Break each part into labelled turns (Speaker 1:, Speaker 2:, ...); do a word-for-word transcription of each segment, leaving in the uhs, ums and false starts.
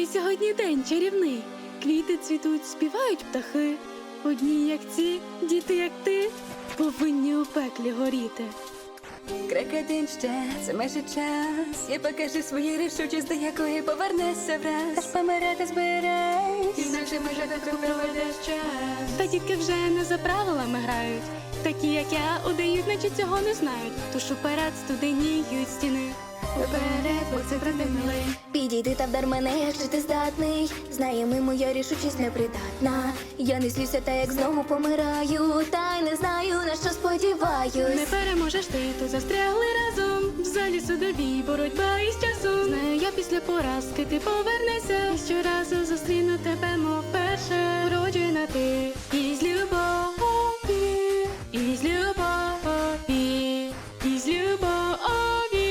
Speaker 1: сьогодні день чарівний. Квіти цвітуть, співають птахи. Одні, як ці, діти, як ти, повинні у пеклі горіти.
Speaker 2: Крок один ще, це майже час. Я покажу свою рішучість, до якої повернешся враз. Аж помирати збираюсь, інакше ми жити проведеш час.
Speaker 1: Та дітки вже не за правилами грають. Такі, як я, удають, наче цього не знають. Тож уперед студеніють стіни. Уперед, бо це правда милий.
Speaker 3: Підійди та вдар мене, якщо ти здатний. Знаємо, моя рішучість непридатна. Я не злюся, та як знову помираю. Та й не знаю, на що сподіваюсь.
Speaker 1: Не переможеш ти, тут застрягли разом. В залі судовій боротьба із часом. Знаю, я після поразки ти повернешся. І щоразу зустріну тебе, мов перше. Вроджена ти із любові, із любові, із любові,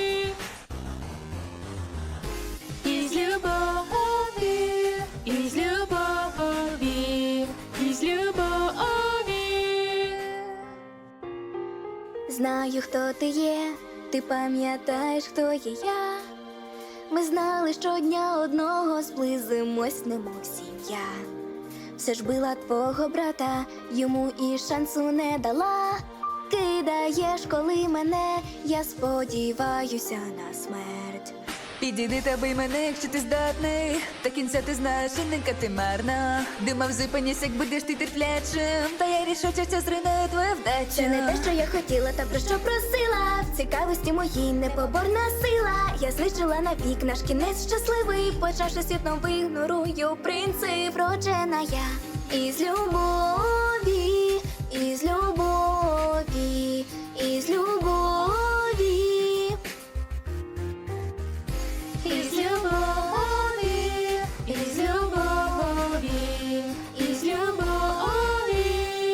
Speaker 1: із любові, із любові, із любові.
Speaker 3: Знаю, хто ти є, ти пам'ятаєш, хто є я. Ми знали, що дня одного зблизимось, немов сім'я. Все ж била твого брата, йому і шансу не дала. Кидаєш, коли мене, я сподіваюся на смерть.
Speaker 2: Підійди та бий мене, якщо ти здатний. Та кінця ти знаєш, іненька ти марна. Думав, зупинісь, як будеш ти терплячим. Та я рішуче це зруйную твою вдачу.
Speaker 3: Це не те, що я хотіла, та про що просила. В цікавості моїй непоборна сила. Я знищила навік наш кінець щасливий. Почавши світ новий, ігнорую принцип. Вроджена я із любові, із любові, із любові, із любові, із любові, із любові.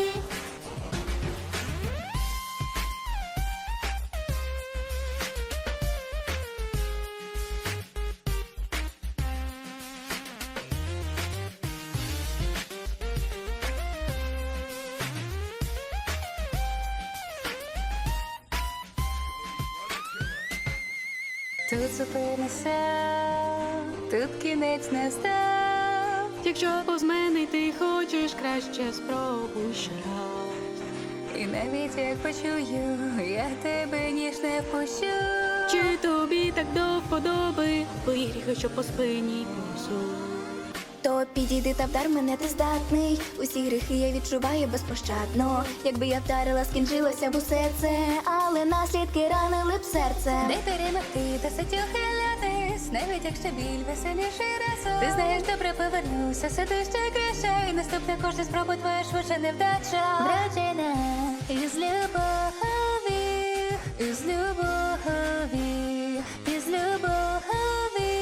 Speaker 2: Тут зупинися, тут кінець настав.
Speaker 1: Якщо повз мене ти хочеш, краще спробуй ще раз.
Speaker 2: І навіть як почую, я тебе ніж не впущу.
Speaker 1: Чи тобі так до вподоби, твої гріхи, що по спині повзуть?
Speaker 3: То підійди та вдар мене, ти здатний. Усі гріхи я відчуваю безпощадно. Якби я вдарила, скінчилося б усе це, але наслідки ранили б серце.
Speaker 2: Не перемогти, досить ухилятись, навіть якщо біль веселіший разом. Ти знаєш, добре повернуся, все ти ще краще. І наступна кожна спроба твоя швидше невдача.
Speaker 3: Вроджена
Speaker 2: Із любові, із любові, із любові.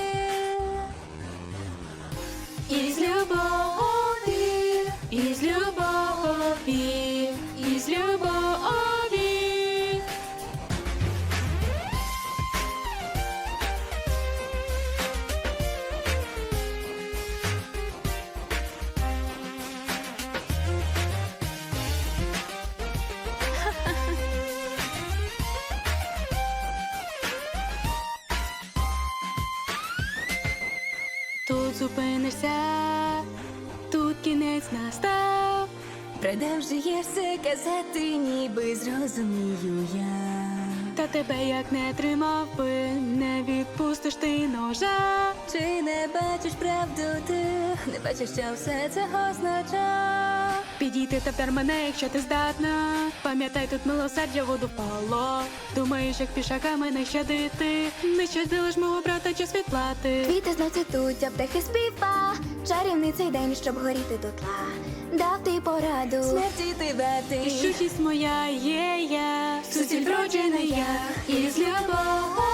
Speaker 1: Із любові, із любові, із любові. Тут зупинишся, тут кінець настав.
Speaker 2: Продовжуєшся казати, ніби зрозумію я.
Speaker 1: Та тебе як не тримав би, не відпустиш ти ножа.
Speaker 2: Чи не бачиш правду ти? Не бачиш, що все це означає?
Speaker 1: Підійти та вдар мене, якщо ти здатна. Пам'ятай, тут милосердя воду впало. Думаєш, як пішака мене щадити. Не щадили ж мого брата, час відплати.
Speaker 3: квіти знов цвітуть, а птахи співа. Чарівний цей день, щоб горіти дотла. Дав ти пораду.
Speaker 2: Смерті ти вартий.
Speaker 1: І щучість моя є я, суціль вроджена я, із любові.